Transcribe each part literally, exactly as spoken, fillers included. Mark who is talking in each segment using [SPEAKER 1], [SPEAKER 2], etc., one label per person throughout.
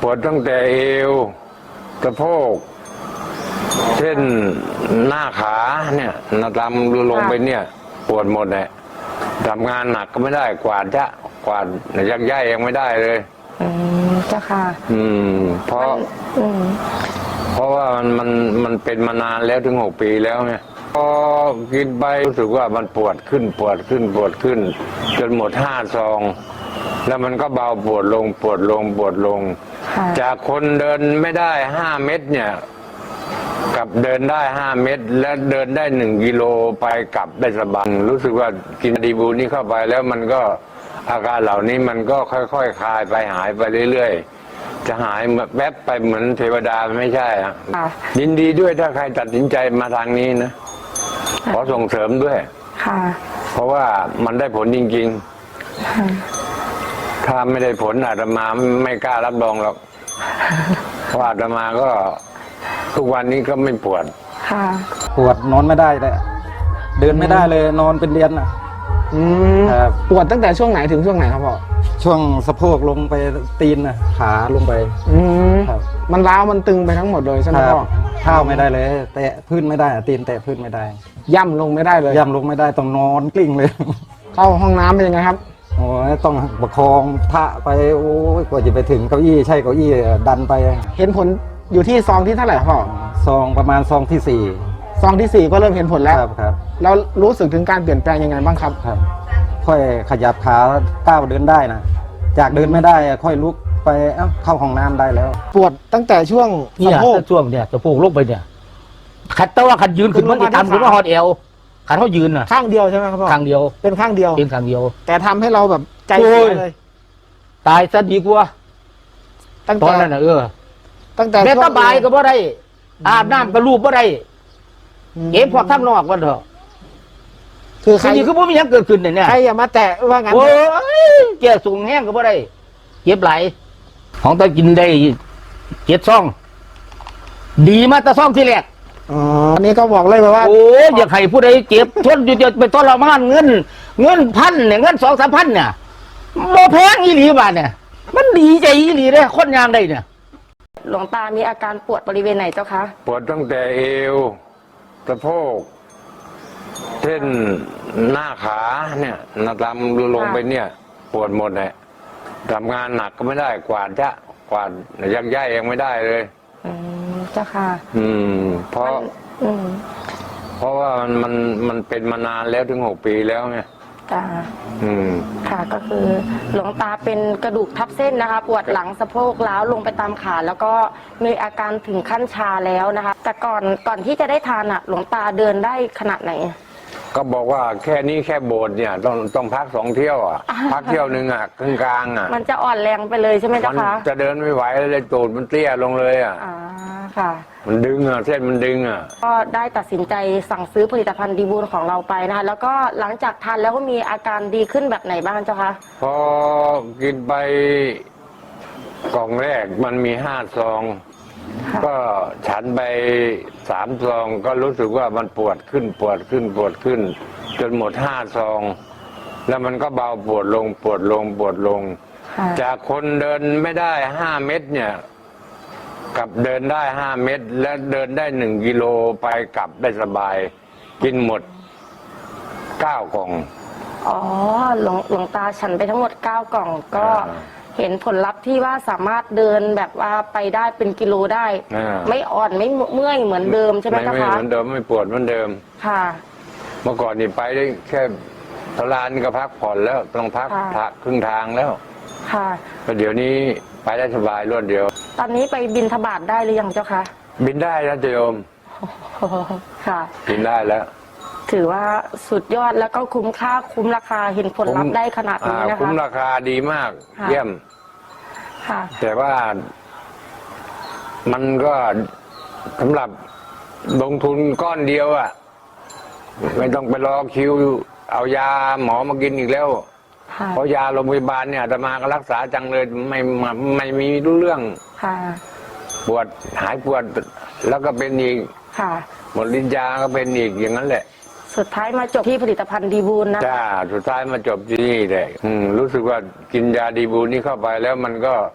[SPEAKER 1] ปวดตั้งแต่เอวสะโพกเช่นหน้าขาเนี่ยนาดำลงไปเนี่ยปวดหมดเลยทำงานหนักก็ไม่ได้กวาดจะกวาดยักย้ายยังไม่ได้เลย
[SPEAKER 2] อืมเจ้าค่ะ
[SPEAKER 1] อืมเพราะ
[SPEAKER 2] อืม
[SPEAKER 1] เพราะว่ามันมันมันเป็นมานานแล้วถึงหกปีแล้วไงพอกินไปรู้สึกว่ามันปวดขึ้นปวดขึ้นปวดขึ้นจนหมดห้าซองแล้วมันก็เบาปวดลงปวดลงปวดลงจากคนเดินไม่ได้ห้าเมตรเนี่ยกับเดินได้ห้าเมตรและเดินได้หนึ่งกิโลไปกลับได้สบายรู้สึกว่ากินดีบูนี่เข้าไปแล้วมันก็อาการเหล่านี้มันก็ค่อยๆ ค, คลายไปหายไปเรื่อยๆจะหายแวบไปเหมือนเทวดาไม่ใช่ครับยินดีด้วยถ้าใครตัดสินใจมาทางนี้นะขอส่งเสริมด้วย
[SPEAKER 2] ค่ะ
[SPEAKER 1] เพราะว่ามันได้ผลจริงๆถ้าไม่ได้ผลอาตมาไม่กล้ารับรองหรอกเพราะอาตมาก็ทุกวันนี้ก็ไม่ปวด
[SPEAKER 2] ค่ะ
[SPEAKER 3] ปวดนอนไม่ได้เลยเดินไม่ได้เลยนอนเป็นเดือนอ่ะ
[SPEAKER 2] อืมปวดตั้งแต่ช่วงไหนถึงช่วงไหนครับพ่อ
[SPEAKER 3] ช่วงสะโพกลงไปตีนนะขาลงไป
[SPEAKER 2] อืมมันร้าวมันตึงไปทั้งหมดเลยใช่ไหมพ่อ
[SPEAKER 3] เท้าไม่ได้เลยแตะพื้นไม่ได้ตีนแตะพื้นไม่ได้
[SPEAKER 2] ย่ำลงไม่ได้เลย
[SPEAKER 3] ย่ำลงไม่ได้ต้องนอนกลิ้งเลย
[SPEAKER 2] เข้าห้องน้ำเป็นยังไงครับ
[SPEAKER 3] โอ้ยต้องประคองพระไปโอ้ยกว่าจะไปถึงเก้าอี้ใช่เก้าอี้ดันไป
[SPEAKER 2] เห็นผลอยู่ที่ซองที่เท่าไหร่พ่อ
[SPEAKER 3] ซองประมาณซองที่สี่
[SPEAKER 2] ซองที่สี่ก็เริ่มเห็นผลแล้ว
[SPEAKER 3] ครับครับ
[SPEAKER 2] แล้วรู้สึกถึงการเปลี่ยนแปลงยังไงบ้างครับ
[SPEAKER 3] ครับค่อยขยับขาก้าวเดินได้นะจากเดินไม่ได้ค่อยลุกไปเอ้าเข้าห้องน้ำได้แล้ว
[SPEAKER 2] ปวดตั้งแต่ช่วง
[SPEAKER 4] สะโพกช่วงเนี่ยสะโพกลงไปเนี่ยขัดแต่ว่าขัดยืนขึ้นมันทำขึ้นว่าฮอตเอวขัดเขายืนอ่ะ
[SPEAKER 2] ข้างเดียวใช่ไหมครับพ่อ
[SPEAKER 4] ข้างเดียว
[SPEAKER 2] เป็นข้างเดียว
[SPEAKER 4] เป็นข้างเดียว
[SPEAKER 2] แต่ทำให้เราแบบใจเสียเลย
[SPEAKER 4] ตายซะดีกว่า
[SPEAKER 2] ตั้ง
[SPEAKER 4] แต่ตอนนั้นเออ
[SPEAKER 2] ตั้งแต่
[SPEAKER 4] แม่ตาบายก็บ่ได้อาบน้ำก็รูปบ่ได้เก็บพวกทำนอกวันเถอะ
[SPEAKER 2] คือใคร
[SPEAKER 4] คือบ่มีหยังเกิดขึ้นเนี่ย
[SPEAKER 2] ใครอย่ามาแตะว่างั้น
[SPEAKER 4] โอ้ยเกี่ยสูงแห้งก็บ่ได้เก็บไหลของตากินได้เจ็ดซองดีมาตาซองที่แรก
[SPEAKER 2] อ๋ออันนี้ก็บอกเลยว่า
[SPEAKER 4] โอ้ยอยากให้ผู้ใดเจ็บทนอยู่จะไปทรมานเงินเงินพันเนี่ยเงินสองสามพันเนี่ยบ่แพงอีหลีบาทเนี่ยมันดีใจอีหลีเลยคนยางได้เนี่ย
[SPEAKER 2] หลวงตามีอาการปวดบริเวณไหนเจ้าคะ
[SPEAKER 1] ปวดตั้งแต่เอวสะโพกเช่นหน้าขาเนี่ยนาดำลงไปเนี่ยปวดหมดเลยทำงานหนักก็ไม่ได้กวาดจะกวาดยักย้ายยังไม่ได้เลย
[SPEAKER 2] อืมเจ้าค่ะ
[SPEAKER 1] อืมเพราะอืมเพราะว่ามันมันมันเป็นมานานแล้วถึงหกปีแล้วไง
[SPEAKER 2] จ้า
[SPEAKER 1] อืม
[SPEAKER 2] ค่ะก็คือหลวงตาเป็นกระดูกทับเส้นนะคะปวดหลังสะโพกล้าวลงไปตามขาแล้วก็มีอาการถึงขั้นชาแล้วนะคะแต่ก่อนก่อนที่จะได้ทานอ่ะหลวงตาเดินได้ขนาดไหน
[SPEAKER 1] ก็บอกว่าแค่นี้แค่โบสถ์เนี่ยต้องต้องพักสองเที่ยวอ่ะพักเที่ยวหนึ่งอ่ะครึ่งกลางอ่ะ
[SPEAKER 2] มันจะอ่อนแรงไปเลยใช่ไหมเจ้าคะ
[SPEAKER 1] จะเดินไม่ไหวเลยตูดมันเตี้ยลงเลยอ่ะ
[SPEAKER 2] อ่าค่ะ
[SPEAKER 1] มันดึงอ่ะเส้นมันดึงอ่ะ
[SPEAKER 2] ก็ได้ตัดสินใจสั่งซื้อผลิตภัณฑ์ดีบูลของเราไปนะคะแล้วก็หลังจากทานแล้วก็มีอาการดีขึ้นแบบไหนบ้างเจ้าคะ
[SPEAKER 1] พอกินไปกล่องแรกมันมีห้าซองก็ฉันไปสามซองก็รู้สึกว่ามันปวดขึ้นปวดขึ้นปวดขึ้นจนหมดห้าซองแล้วมันก็เบาปวดลงปวดลงปวดลงจากคนเดินไม่ได้ห้าเมตรเนี่ยกับเดินได้ห้าเมตรและเดินได้หนึ่งกิโลไปกลับได้สบายกินหมดเก้ากล่อง
[SPEAKER 2] อ๋อหลวงหลวงตาฉันไปทั้งหมดเก้ากล่องก็เห็นผลลัพธ์ที่ว่าสามารถเดินแบบว่าไปได้เป็นกิโลได้ไม่อ่อนไม่เมื่อยเหมือนเดิมใช่ไหมคะ
[SPEAKER 1] ไม่เหมือนเดิมไม่ปวดเหมือนเดิม
[SPEAKER 2] ค่ะ
[SPEAKER 1] เมื่อก่อนนี่ไปได้แค่ทลานก็พักผ่อนแล้วต้องพักพักครึ่งทางแล้ว
[SPEAKER 2] ค่ะ
[SPEAKER 1] แต่เดี๋ยวนี้ไปได้สบายรวดเดียว
[SPEAKER 2] ตอนนี้ไปบินทบาทได้หรือยังเจ้าคะ
[SPEAKER 1] บินได้แล้วโยม
[SPEAKER 2] ค่ะ
[SPEAKER 1] บินได้แล้ว
[SPEAKER 2] ถือว่าสุดยอดแล้วก็คุ้มค่าคุ้มราคาเห็นผลลัพธ์ได้ขนาดนี้นะคะ
[SPEAKER 1] คุ้มราคาดีมากเยี่ยมแต่ว่ามันก็สำหรับลงทุนก้อนเดียวอ่ะไม่ต้องไปรอคิวเอายาหมอมากินอีกแล้วเพราะยาโรงพยาบาลเนี่ยอาตมาก็รักษาจังเลยไม่ไม่มีรู้เรื่องปวดหายปวดแล้วก็เป็นอีกหมดลิ้นยาก็เป็นอีกอย่างนั้นแหละ
[SPEAKER 2] สุดท้ายมาจบที่ผลิตภัณฑ์ดีบูลนะ
[SPEAKER 1] จ้าสุดท้ายมาจบที่นี่เลยรู้สึกว่ากินยาดีบูลนี่เข้าไปแล้วมันก็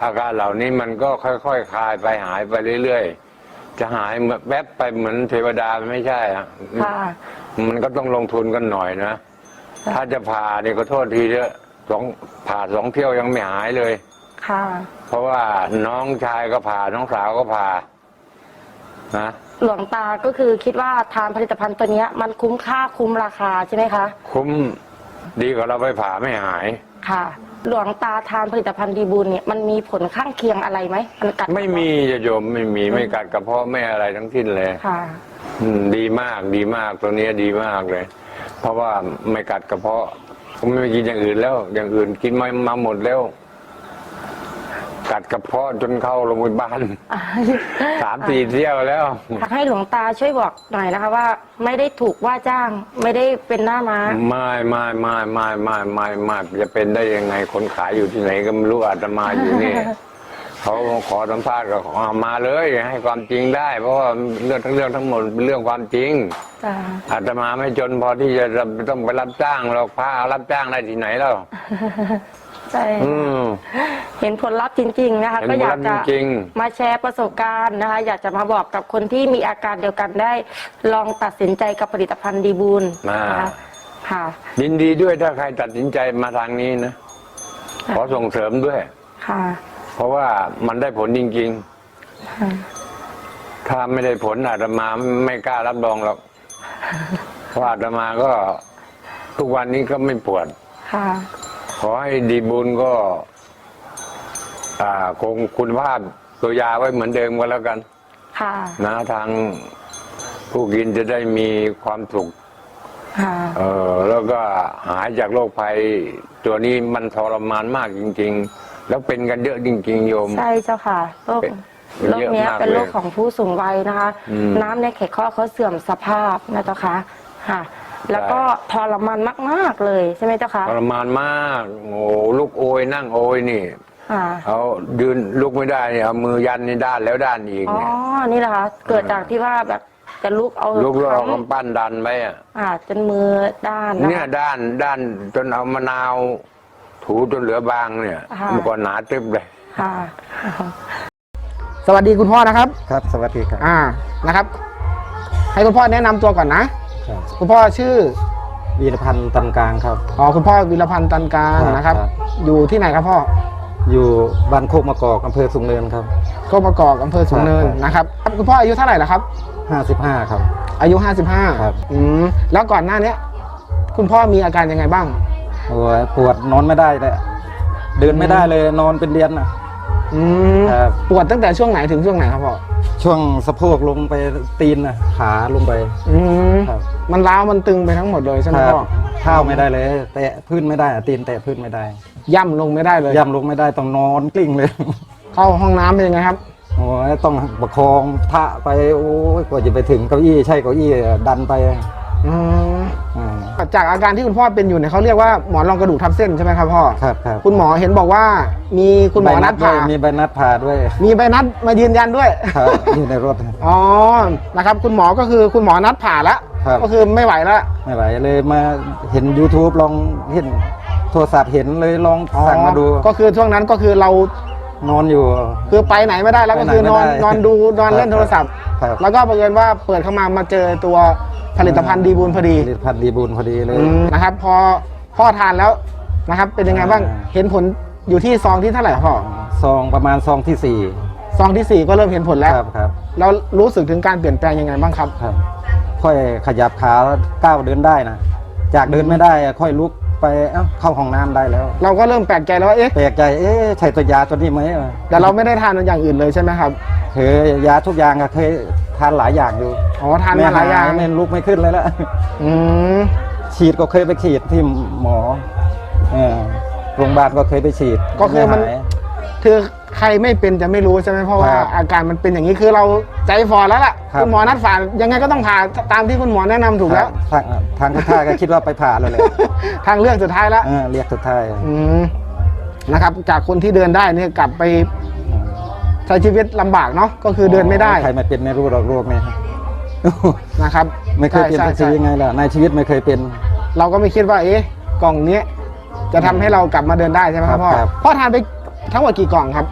[SPEAKER 1] อาการเหล่านี้มันก็ค่อยๆคคลายไปหายไปเรื่อยๆจะหายแวบไปเหมือนเทวดาไม่ใช่อะ
[SPEAKER 2] ค่ะ
[SPEAKER 1] มันก็ต้องลงทุนกันหน่อยนะ ถ้าจะผ่าเนี่ยก็โทษทีเถอะสองผ่าสองเที่ยวยังไม่หายเลย
[SPEAKER 2] ค่ะ
[SPEAKER 1] เพราะว่าน้องชายก็ผ่าน้องสาวก็ผ่านะ
[SPEAKER 2] หลวงตาก็คือคิดว่าทานผลิตภัณฑ์ตัวเนี้ยมันคุ้มค่าคุ้มราคาใช่ไหมคะ
[SPEAKER 1] คุ้มดีกว่าเราไปผ่าไม่หาย
[SPEAKER 2] ค่ะ หลวงตาทานผลิตภัณฑ์ดีบูลเนี่ยมันมีผลข้างเคียงอะไรไหมมันกัด
[SPEAKER 1] ไม่มีจะโยมไม่มีไม่กัดกระเพาะไม่อะไรทั้งสิ้นเลย
[SPEAKER 2] ค่ะ
[SPEAKER 1] อืมดีมากดีมากตัวนี้ดีมากเลย เพราะว่าไม่กัดกระเพาะผมไม่กินอย่างอื่นแล้ว อย่างอื่นกินมามาหมดแล้ว กัดกระเพาะจนเข้าโรงพยาบาลสามสี่เที่ยวแล้ว
[SPEAKER 2] อยากให้หลวงตาช่วยบอกหน่อยนะคะว่าไม่ได้ถูกว่าจ้างไม่ได้เป็นหน้าม้า
[SPEAKER 1] ไม่ไม่ไม่ไม่ไม่ไม่ไม่จะเป็นได้ยังไงคนขายอยู่ที่ไหนก็ไม่รู้อาตมาอยู่นี่ เขาขอสัมภาษณ์ก็ขอมาเลยให้ความจริงได้ เพราะว่าเรื่องทั้งเรื่องทั้งหมดเป็นเรื่องความจริง
[SPEAKER 2] จ้า
[SPEAKER 1] อาตมาไม่จนพอที่จะต้องไปรับจ้างหรอกพระรับจ้างได้ที่ไหนแล้ว
[SPEAKER 2] ใช่
[SPEAKER 1] อืม
[SPEAKER 2] เห็นผลลัพธ์จริง ๆ นะคะ
[SPEAKER 1] เห็น
[SPEAKER 2] ก็อยาก
[SPEAKER 1] ผลลั
[SPEAKER 2] จะ
[SPEAKER 1] พธ์จริง
[SPEAKER 2] มาแชร์ประสบการณ์นะคะ อยากจะมาบอกกับคนที่มีอาการเดียวกันได้ลองตัดสินใจกับผลิตภัณฑ์ดีบูลนะคะค่ะ
[SPEAKER 1] ยินดีด้วยถ้าใครตัดสินใจมาทางนี้นะขอส่งเสริมด้วย
[SPEAKER 2] ค่ะ
[SPEAKER 1] เพราะว่ามันได้ผลจริง
[SPEAKER 2] ค่ะ
[SPEAKER 1] ๆ ถ้าไม่ได้ผลอาตมาไม่กล้ารับรองหรอกเพราะอาตมาก็ทุกวันนี้ก็ไม่ปวด
[SPEAKER 2] ค่ะ
[SPEAKER 1] ขอให้ดีบุญก็ อ่าคงคุณภาพตัวยาไว้เหมือนเดิมก็แล้วกัน
[SPEAKER 2] ค่ะ
[SPEAKER 1] นะทางผู้กินจะได้มีความสุข
[SPEAKER 2] ค่ะ
[SPEAKER 1] เออแล้วก็หายจากโรคภัย ตัวนี้มันทรมานมากจริง ๆ แล้วเป็นกันเยอะจริง ๆ โยม
[SPEAKER 2] ใช่เจ้าค่ะโรค
[SPEAKER 1] เป็น
[SPEAKER 2] โรคเนี้ย
[SPEAKER 1] เยอะมาก
[SPEAKER 2] เป็นโรค
[SPEAKER 1] เลย
[SPEAKER 2] ของผู้สูงวัยนะคะ
[SPEAKER 1] อืม
[SPEAKER 2] น้ำในไขข้อเขาเสื่อมสภาพนะเจ้าค่ะค่ะ แล้วก็ทรมานมากๆเลยใช่ไหมเจ้าค่ะ
[SPEAKER 1] ทรมานมากโอ้ลูกโอยนั่งโอยนี่
[SPEAKER 2] ค่ะ
[SPEAKER 1] เอายืนลุกไม่ได้เนี่ยเอามือยันนี่ด้านแล้วด้านอีก
[SPEAKER 2] อ๋อ
[SPEAKER 1] เนี่ย
[SPEAKER 2] นี่แหละคะเกิดจากที่ว่าแบบจะลุกเอา
[SPEAKER 1] ลุกแล้วเอา
[SPEAKER 2] ค้ำ
[SPEAKER 1] กำปั้นดันไปอ่ะ
[SPEAKER 2] อ่าจนมือด้านนะ
[SPEAKER 1] เนี่ย
[SPEAKER 2] คะ
[SPEAKER 1] ด้านด้านจนเอามะนาว ถูจนเหลือบางเนี่ย
[SPEAKER 2] ค่ะ
[SPEAKER 1] มันก็หนาตึ๊บเลย
[SPEAKER 2] ค่ะ
[SPEAKER 4] สวัสดีคุณพ่อนะครับ
[SPEAKER 3] ครับสวัสดีครับ
[SPEAKER 4] อ่านะครับ ให้คุณพ่อแนะนำตัวก่อนนะ
[SPEAKER 3] ครับ
[SPEAKER 4] คุณพ่อชื่อ
[SPEAKER 3] วีรพันธ์ตันกลางครับ
[SPEAKER 4] อ๋อคุณพ่อวีรพันธ์ตันกลาง
[SPEAKER 3] ครับ
[SPEAKER 4] นะครับ
[SPEAKER 3] ครับ
[SPEAKER 4] อยู่ที่ไหนครับพ่อ
[SPEAKER 3] อยู่บ้านโคกมะกอกอำเภอสูงเนินครับ
[SPEAKER 4] โคกประกอบอำเภอสูงเนิน
[SPEAKER 3] ครับ
[SPEAKER 4] นะครับคุณพ่ออายุเท่าไหร่ล่ะครับ
[SPEAKER 3] ห้าสิบห้าครับ
[SPEAKER 4] อายุห้าสิบห้า
[SPEAKER 3] ครับ
[SPEAKER 4] อืมแล้วก่อนหน้าเนี้ยคุณพ่อมีอาการยังไงบ้าง
[SPEAKER 3] โอ้ยปวดนอนไม่ได้เลยเดินไม่ได้เลยนอนเป็นเดือนนะ
[SPEAKER 4] อืม
[SPEAKER 3] ครับ
[SPEAKER 4] ปวดตั้งแต่ช่วงไหนถึงช่วงไหนครับพ่อ
[SPEAKER 3] ช่วงสะโพกลงไปตีนนะขาลงไป
[SPEAKER 4] อืม
[SPEAKER 3] ครับ
[SPEAKER 4] มันร้าวมันตึงไปทั้งหมดเลยใช่ไหม
[SPEAKER 3] ครับ
[SPEAKER 4] พ่อ
[SPEAKER 3] เท้าไม่ได้เลย แตะพื้นไม่ได้อะตีนแตะพื้นไม่ได้
[SPEAKER 4] ย่ำลงไม่ได้เลย
[SPEAKER 3] ย่ำลงไม่ได้ต้องนอนกลิ้งเลย
[SPEAKER 4] เข้าห้องน้ำเป็นยังไงครับ
[SPEAKER 3] โอ้ยต้องประคองทะไปโอ้ยกว่าจะไปถึงเก้าอี้ใช่เก้าอี้ดันไป
[SPEAKER 4] อืม
[SPEAKER 3] อ่า
[SPEAKER 4] จากอาการที่คุณพ่อเป็นอยู่เนี่ยเขาเรียกว่าหมอนรองกระดูกทับเส้นใช่ไหมครับพ่อ
[SPEAKER 3] ครับครับ
[SPEAKER 4] คุณหมอเห็นบอกว่ามีคุณหมอนัดผ่า
[SPEAKER 3] ใบด้วยมีใบนัดผ่าด้วย
[SPEAKER 4] มีใบนัดมายืนยันด้วย
[SPEAKER 3] ครับอยู่ในรถ
[SPEAKER 4] อ๋อ นะครับ คุณหมอก็คือคุณหมอนัดผ่าแล้ว
[SPEAKER 3] ครับ
[SPEAKER 4] ก็คือไม่ไหวแล้ว
[SPEAKER 3] ไม่ไหวเลยมาเห็น YouTube ลองเห็นโทรศัพท์เห็นเลยลองสั่งมาดู
[SPEAKER 4] ก็คือช่วงนั้นก็คือเรา
[SPEAKER 3] นอนอยู่
[SPEAKER 4] คือไปไหนไม่ได้แล้ว
[SPEAKER 3] ไป
[SPEAKER 4] ก็
[SPEAKER 3] ไหน
[SPEAKER 4] คือนอน
[SPEAKER 3] ไม่ได้
[SPEAKER 4] นอนดูนอนเล่น
[SPEAKER 3] ครับ
[SPEAKER 4] โทรศัพท์
[SPEAKER 3] ครับ
[SPEAKER 4] แล้วก็บังเอิญว่าเปิดเข้ามามาเจอตัวผลิตภัณฑ์ดีบูลพอดี
[SPEAKER 3] ผลิตภัณฑ์ดีบุญพอดีเลย
[SPEAKER 4] อืมนะครับ พอพ่อทานแล้วนะครับ เป็นยังไงบ้าง
[SPEAKER 3] อ่า
[SPEAKER 4] เห็นผลอยู่ที่ซองที่เท่าไหร่พ่อ
[SPEAKER 3] ซองประมาณซองที่สี่
[SPEAKER 4] ซองที่สี่ก็เริ่มเห็นผลแล้ว
[SPEAKER 3] ครับครับ
[SPEAKER 4] แล้วรู้สึกถึงการเปลี่ยนแปลงยังไงบ้างครับ
[SPEAKER 3] ครับ ค่อยขยับขาก้าวเดินได้นะจากเดินไม่ได้อะค่อยลุกไปเอ้าเข้าห้องน้ำได้แล้ว
[SPEAKER 4] เราก็เริ่มแปลกใจแล้วว่าเอ๊ะ
[SPEAKER 3] แปลกใจเอ๊ะใช่ตัวยาตัวนี้ไหม
[SPEAKER 4] แต่เราไม่ได้ทานอย่างอื่นเลยใช่ไหมครับ
[SPEAKER 3] เคยยาทุกอย่างอะเคยทานหลายอย่างอยู่
[SPEAKER 4] อ๋อทานมาหลายอย่าง
[SPEAKER 3] ไม่ลุกไม่ขึ้นเลยละ
[SPEAKER 4] อืม
[SPEAKER 3] ฉีดก็เคยไปฉีดที่หมอเออโรงพยาบาลก็เคยไปฉีด
[SPEAKER 4] ก็คือมัน
[SPEAKER 3] ไหาย
[SPEAKER 4] คือใครไม่เป็นจะไม่รู้ใช่ไหมเพราะว่า
[SPEAKER 3] ครับ
[SPEAKER 4] อาการมันเป็นอย่างนี้คือเราใจฟอแล้วล่ะ
[SPEAKER 3] ครับ
[SPEAKER 4] คุณหมอนัดผ่ายังไงก็ต้องผ่าตามที่คุณหมอแนะนำถูกแล้ว
[SPEAKER 3] ทางทางคุณท่าก็คิดว่าไปผ่าแล้วแหละ
[SPEAKER 4] ทางเลือกสุดท้ายแล้ว
[SPEAKER 3] เออเรียกสุดท้าย
[SPEAKER 4] อืมนะครับจากคนที่เดินได้เนี่ยกลับไปใช้ชีวิตลำบากเนาะก็คือเดินไม่ได้
[SPEAKER 3] ใครไม่เป็นไม่รู้หรอกโรคเนี่ย
[SPEAKER 4] นะครับ
[SPEAKER 3] ไม่เคยเป็น
[SPEAKER 4] ใช่
[SPEAKER 3] สัก
[SPEAKER 4] ใช่
[SPEAKER 3] ทียังไงล่ะในชีวิตไม่เคยเป็น
[SPEAKER 4] เราก็ไม่คิดว่าเอ๊ะกล่องเนี้ยจะทำให้เรากลับมาเดินได้ใช่ไหมครับพ่อ
[SPEAKER 3] ครับ
[SPEAKER 4] พ่อทานไปทั้งหมดกี่กล่องครับ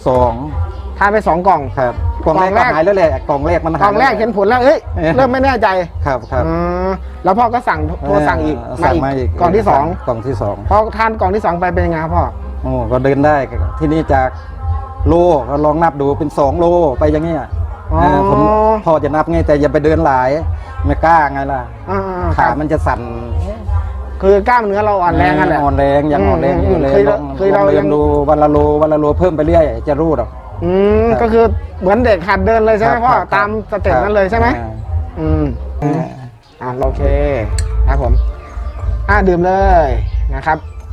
[SPEAKER 3] สอง
[SPEAKER 5] ทานไปสองกล่อง
[SPEAKER 3] ครับกล่องแรก
[SPEAKER 5] กล่องแรก
[SPEAKER 3] ก็หายแล้วแหละกล่องแรกมัน
[SPEAKER 5] ก
[SPEAKER 3] หาย
[SPEAKER 5] ล่องแรกเห็นผลแล้วเอ้ย
[SPEAKER 3] เออ
[SPEAKER 5] เริ่มไม่แน่ใจ
[SPEAKER 3] ครับครับ
[SPEAKER 5] อืมแล้วพ่อก็สั่งโทรสั่งอีก
[SPEAKER 3] เสั่งมาอีก
[SPEAKER 5] กล่องที่สอง
[SPEAKER 3] กล่องที่สอง
[SPEAKER 5] พอทานกล่องที่สองไปเป็นยังไงครับพ่อ
[SPEAKER 3] โอ้ก็เดินได้ที่นี่จากโลก็ลองนับดูเป็นสองโลไปอย่างเงี้ย
[SPEAKER 5] อ๋อ
[SPEAKER 3] เออผมพอจะนับไงแต่อย่าไปเดินหลายไม่กล้าไงล่ะ
[SPEAKER 5] อ่าๆค
[SPEAKER 3] ขา
[SPEAKER 5] รับ
[SPEAKER 3] มันจะสั่น
[SPEAKER 5] คือกล้ามเนื้อเราอ่อนแรงนั่นแหละ
[SPEAKER 3] อ่อนแรงยังอ่อนแรงอยู่เลย
[SPEAKER 5] เคย
[SPEAKER 3] ลอง
[SPEAKER 5] เคย
[SPEAKER 3] ล
[SPEAKER 5] เรา
[SPEAKER 3] องเดิ
[SPEAKER 5] ยั
[SPEAKER 3] น
[SPEAKER 5] ง
[SPEAKER 3] ดูวันละโลวันละโลเพิ่มไปเรื่อยจะรู้หรอก
[SPEAKER 5] อืม
[SPEAKER 3] ครับ
[SPEAKER 5] ก็คือเหมือนเด็กหัดเดินเลยใช่ไหม
[SPEAKER 3] ครับ
[SPEAKER 5] พ่อ
[SPEAKER 3] ครับ
[SPEAKER 5] ตามสเต็ป
[SPEAKER 3] ครับ
[SPEAKER 5] นั้นเลยใช่ไหม
[SPEAKER 3] อ่า
[SPEAKER 5] อืม
[SPEAKER 3] อ่า
[SPEAKER 5] อ่าโอเคครับผมอ่าดื่มเลยนะครับ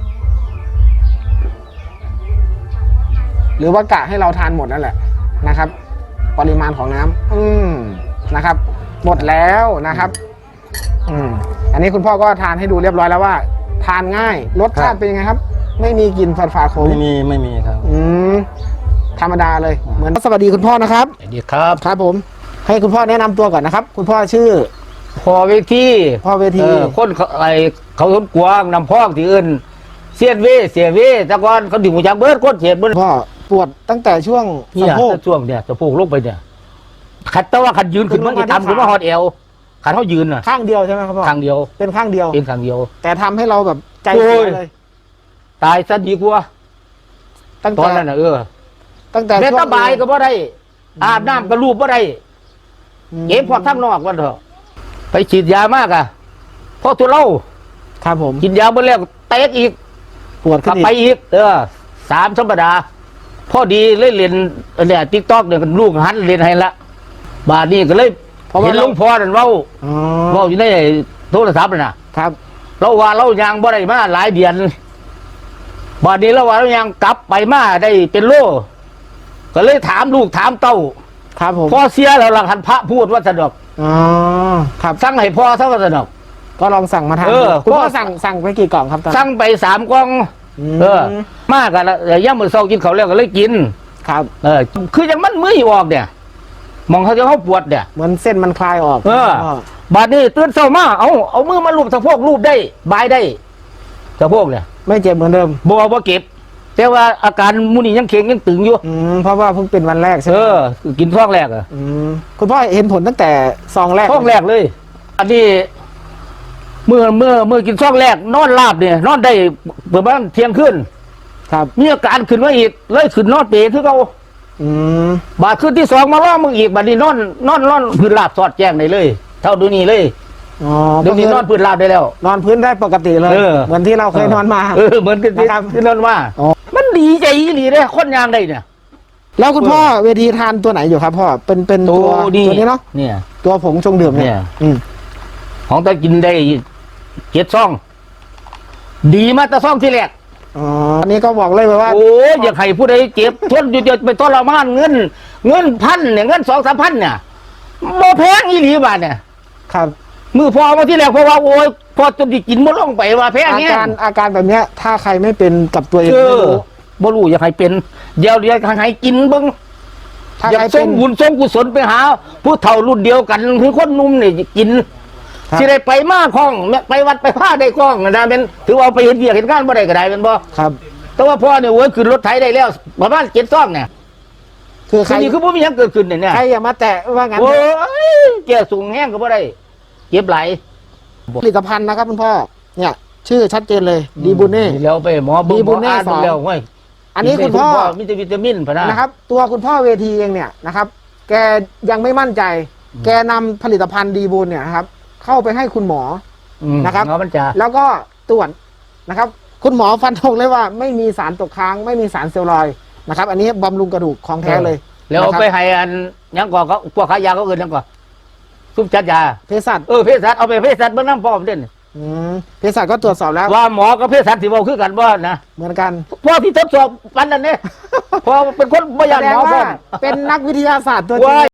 [SPEAKER 5] หรือว่ากะให้เราทานหมดนั่นแหละนะครับ ปริมาณของน้ำอืมนะครับ หมดแล้วนะครับ อืมอันนี้คุณพ่อก็ทานให้ดูเรียบร้อยแล้วว่า ทานง่ายรสชาติเป็นยังไงครับ ไม่มีกลิ่นฝาดฝาขม
[SPEAKER 3] ไม่มีไม่มีครับ
[SPEAKER 5] อืมธรรมดาเลย เหมือนสวัสดีคุณพ่อนะครับ
[SPEAKER 4] สวัสดีครับ
[SPEAKER 5] ครับผม ให้คุณพ่อแนะนำตัวก่อนนะครับ คุณพ่อชื่อ
[SPEAKER 4] พอเวที
[SPEAKER 5] พ่อเวที
[SPEAKER 4] เออคนเขาไอเขาสนกวางนำพอกที่อื่นเสียนเวเสียเวแต่ก่อนเขาถึงหัวจักเบิดก้นเสียเบิด
[SPEAKER 5] พ่อปวดตั้งแต่ช่วง
[SPEAKER 4] เนี่
[SPEAKER 5] สะ
[SPEAKER 4] ย
[SPEAKER 5] โพก
[SPEAKER 4] ช่วงเนี่ยสะโพกลงไปเนี่ยขัดแต่ว่าขัดยืนขึ้นมันจะทำขึ้นมาฮอดเอวขัดเขายืนน่ะ
[SPEAKER 5] ข้างเดียวใช่ไหมครับพ่อ
[SPEAKER 4] ข้างเดียว
[SPEAKER 5] เป็นข้างเดียว
[SPEAKER 4] เป็นข้างเดียว
[SPEAKER 5] แต่ทำให้เราแบบใจ
[SPEAKER 4] โอ้
[SPEAKER 5] เสี
[SPEAKER 4] ย
[SPEAKER 5] ยเลย
[SPEAKER 4] ตายซะดีกว่า
[SPEAKER 5] ตั้ง
[SPEAKER 4] ตอ
[SPEAKER 5] แต่
[SPEAKER 4] นนั้นน่ะเออ
[SPEAKER 5] ตั้งแต่
[SPEAKER 4] แม่
[SPEAKER 5] ช่วง
[SPEAKER 4] ตาบายก็บ่ได้อาบน้ำก็รูปบ่ได้เก็บพวกทั้งนอกวันเถอะไปฉีดยามากอ่ะพอตัวเล่า
[SPEAKER 5] ครับผม
[SPEAKER 4] กินยาเมื่อแล้วเตะอีก
[SPEAKER 5] ปวด
[SPEAKER 4] ก
[SPEAKER 5] ขึ้
[SPEAKER 4] ลั
[SPEAKER 5] น
[SPEAKER 4] บ
[SPEAKER 5] อีก
[SPEAKER 4] ไปอีก เออสามสัปดาห์พอดีเลยเรียนเนี่ยติ๊กต็อกเนี่ยลูกหันเรียนให้ละบาดนี้ก็เลยเห็นหลวงพ่อนั่นเว้า
[SPEAKER 5] อ๋อ
[SPEAKER 4] เว้าอยู่ในโทรศัพท์น่ะนะครับ เราว่าเรายางบ่ได้มาหลายเดือนบาดนี้เราว่าเรายางกลับไปมาได้เป็นโลก็เลยถามลูกถามเต้า
[SPEAKER 5] ครับผม
[SPEAKER 4] พ่อเสียแล้วหลังหันพระพูดว่าสนอก
[SPEAKER 5] อ๋อครับ
[SPEAKER 4] สั่งให้พ่อซะว่าสนอก
[SPEAKER 5] ก็ลองสั่งมาทาน
[SPEAKER 4] เออ
[SPEAKER 5] ดูคุณพ่อ
[SPEAKER 4] พ่อ
[SPEAKER 5] สั่งสั่งไปกี่กล่องครับตอนนั้น
[SPEAKER 4] สั่งไปสามกล่อง
[SPEAKER 5] ม
[SPEAKER 4] เออ มากกันแล้วย่ามมือเศร้ากินเขาวแล้วก็เลยกิน
[SPEAKER 5] ครับ
[SPEAKER 4] เออ คือยังมันมืออยู่ออกเนี่ยมองเขาจะเขาปวดเนี่ย
[SPEAKER 5] เหมือนเส้นมันคลายออก
[SPEAKER 4] เออ
[SPEAKER 5] พ่
[SPEAKER 4] บาดนี้ตื่นเศร้ามาเอาเอามือมาลูบสะโพกลูบได้ บายได้สะโพกเนี่ย
[SPEAKER 5] ไม่เจ็บเหมือนเดิม
[SPEAKER 4] บอว่าเก็บ แต่ว่าอาการมูนี่ยังเข็งยังตึงอยู่
[SPEAKER 5] อืมเพราะว่าเพิ่งเป็นวันแรกใช่
[SPEAKER 4] เอ
[SPEAKER 5] ไหม
[SPEAKER 4] อ กินท้องแรกอะ
[SPEAKER 5] อืมคุณพ่อเห็นผลตั้งแต่ซองแรก
[SPEAKER 4] ท้องแรกเลย อันนี้เมื่อเมื่อเมื่อกินท้องแรกนอนราบเนี่ยนอนได้ประมาณเที่ยงคืน
[SPEAKER 5] ครับ
[SPEAKER 4] มีอาการขึ้นมาอีกเลยขึ้นนอนเปรย์คือเขา
[SPEAKER 5] อืม
[SPEAKER 4] บาดขึ้นที่สองมาล่อมึงอีกบาดนี้นอนนอนนอนพื้นราบสอดแจ้งได้เลย เท่าดูนี่เลย
[SPEAKER 5] อ๋อ
[SPEAKER 4] เดี๋ยวนี้นอนพื้นราบได้แล้ว
[SPEAKER 5] นอนพื้นได้ปกติเลย
[SPEAKER 4] เออ
[SPEAKER 5] เหมือนที่เราเคยนอนมา
[SPEAKER 4] เออเหมือนกันที่
[SPEAKER 5] นะครับ
[SPEAKER 4] ที่นั่นว่า
[SPEAKER 5] อ๋อ
[SPEAKER 4] มันดีใจอีหลีเลยคนยางได้เนี่ย
[SPEAKER 5] แล้วคุณพ่อเวทีทานตัวไหนอยู่ครับพ่อเป็นเป็นตัวตัวนี้เนาะ
[SPEAKER 4] เนี่ย
[SPEAKER 5] ตัวผงชงดื่ม
[SPEAKER 4] เนี่
[SPEAKER 5] เนี่ย
[SPEAKER 4] ย
[SPEAKER 5] อืม
[SPEAKER 4] ของตากินได้เจ็ดซอง ดีมาแต่ซองที่แรก
[SPEAKER 5] อ๋ออันนี้ก็บอกเลยว่า
[SPEAKER 4] โอ้ยอยากให้ผู้ใดเจ็บทนอยู่เดียวไปทรมานเงิน เงินพันเนี่ยเงินสองสามพันเนี่ยบ่แพงอีหลีบาทเนี่ย
[SPEAKER 5] ครับ
[SPEAKER 4] มือพอมาที่แรกเพราะว่าโอ้ยพอจนที่กินบ่ลงไปว่าแพง
[SPEAKER 5] อา
[SPEAKER 4] เนี่ย
[SPEAKER 5] การอาการแบบเนี้ย ถ้าใครไม่เป็นกับตัวเอง
[SPEAKER 4] เอ
[SPEAKER 5] ไม่
[SPEAKER 4] อ
[SPEAKER 5] รู้
[SPEAKER 4] บ่รู้อยากให้เป็น เดี๋ยวเดี๋ยวให้กินเบิ่ง
[SPEAKER 5] ถ้า
[SPEAKER 4] อยา
[SPEAKER 5] ใคร
[SPEAKER 4] ก
[SPEAKER 5] เป็
[SPEAKER 4] ส่
[SPEAKER 5] น
[SPEAKER 4] งบุญส่งกุศลไปหา ผู้เฒ่ารุ่นเดียวกันคือคนหนุ่มนี่กิน
[SPEAKER 5] ครับ
[SPEAKER 4] สิได้ไปมาคล้องแม่ไปวัดไปผ้าได้คล้องนะเป็นถือว่าไปเห็นเวียกเห็นงานบ่ได้ก็ได้เป็นบ่
[SPEAKER 5] ครับ
[SPEAKER 4] แต่ว่าพ่อเนี่ยโอ้ยขึ้นรถไถได้แล้วประมาณเจ็ดซองเนี่ย
[SPEAKER 5] คือใค
[SPEAKER 4] คื
[SPEAKER 5] ร
[SPEAKER 4] อนี่คือบ่มีหยังเกิดขึ้นเนี่ยเนี่ย
[SPEAKER 5] ใครอย่ามาแตะว่างั้น
[SPEAKER 4] โอ้ยแก่สูงแห้งก็บ่ได้เจ็บไหล
[SPEAKER 5] ผลิตภัณฑ์นะครับคุณพ่อเนี่ย ชื่อชัดเจนเลยดีบุเน่
[SPEAKER 4] แล้วไปหมอเบิ่ง
[SPEAKER 5] ดี
[SPEAKER 4] ห
[SPEAKER 5] บุ
[SPEAKER 4] มอ
[SPEAKER 5] ญแน่
[SPEAKER 4] อ่าน
[SPEAKER 5] สอง
[SPEAKER 4] แล้วเว้ย
[SPEAKER 5] อันนี้คุณพ่อ
[SPEAKER 4] มีแต่วิตามินพะนะ
[SPEAKER 5] นะครับ ตัวคุณพ่อเวทีเองเนี่ยนะครับ แกยังไม่มั่นใจ แกนำผลิตภัณฑ์ดีบุญเนี่ยนะครับ เข้าไปให้คุณหมอ
[SPEAKER 4] อืม
[SPEAKER 5] นะครับ
[SPEAKER 4] เงามันจะ
[SPEAKER 5] แล้วก็ตรวจนะครับ คุณหมอฟันธงเลยว่าไม่มีสารตกค้าง ไม่มีสารเซลลอยด์นะครับ อันนี้บำรุงกระดูกของแท้เลย
[SPEAKER 4] แล้ว
[SPEAKER 5] นะครับ
[SPEAKER 4] ไปให้อันหยังก่อเขาพวกขายยาเขาเอื่นหยังก่อซุปจัดยา
[SPEAKER 5] เภสัช
[SPEAKER 4] เออเภสัชเอาไปเภสัชเบิ่งน้ำพร้อมเด่น
[SPEAKER 5] อืมเภสัชก็ตรวจสอบแล้ว
[SPEAKER 4] ว่าหมอกับเภสัชสิเว้าคือกันบ่นะ
[SPEAKER 5] เหมือนกัน
[SPEAKER 4] พ่อที่ทดสอบปันนั่นเนี่ย พอเป็นคนบ่ยาน
[SPEAKER 5] แสด
[SPEAKER 4] ห
[SPEAKER 5] ง
[SPEAKER 4] มอพร้
[SPEAKER 5] ว่า
[SPEAKER 4] อม
[SPEAKER 5] เป็นนักวิทยาศาสตร์ตัวจริง
[SPEAKER 4] ว่า